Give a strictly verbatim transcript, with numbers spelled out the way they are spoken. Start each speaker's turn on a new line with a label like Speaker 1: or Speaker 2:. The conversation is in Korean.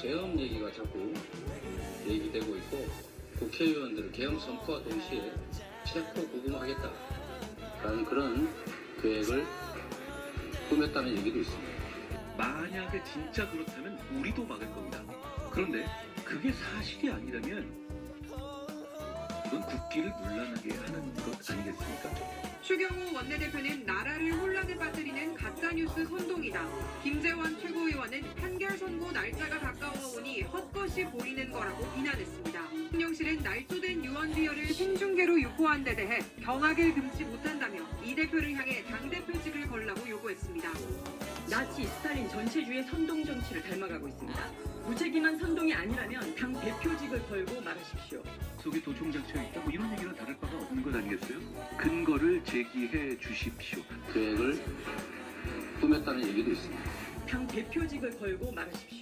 Speaker 1: 계엄 얘기가 자꾸 얘기되고 있고 국회의원들을 계엄 선포와 동시에 체포 구금하겠다라는 그런 계획을 꾸몄다는 얘기도 있습니다.
Speaker 2: 만약에 진짜 그렇다면 우리도 막을 겁니다. 그런데 그게 사실이 아니라면 이건 국기를 문란하게 하는 것 아니겠습니까?
Speaker 3: 추경호 원내대표는 나라를 혼란에 빠뜨리는 가짜뉴스 선동이다. 김재원 최고위원은 판결 선고 날짜가 가까워 오니 헛것이 보이는 거라고 비난했습니다. 대통령실은 날조된 유언비어를 생중계로 유포한 데 대해 경악을 금치 못한다며 이 대표를 향해 당대표직을 걸라고 요구했습니다.
Speaker 4: 나치 스탈린 전체주의 선동 정치를 닮아가고 있습니다. 무책임한 선동이 아니라면 당 대표직을 걸고 말하십시오.
Speaker 2: 속에 도청 장치가 있다 뭐 이런 얘기랑 다를 바가 없는 것 아니겠어요? 근거를 제기해 주십시오.
Speaker 1: 계획을 꾸몄다는 얘기도 있습니다.
Speaker 4: 당 대표직을 걸고 말하십시오.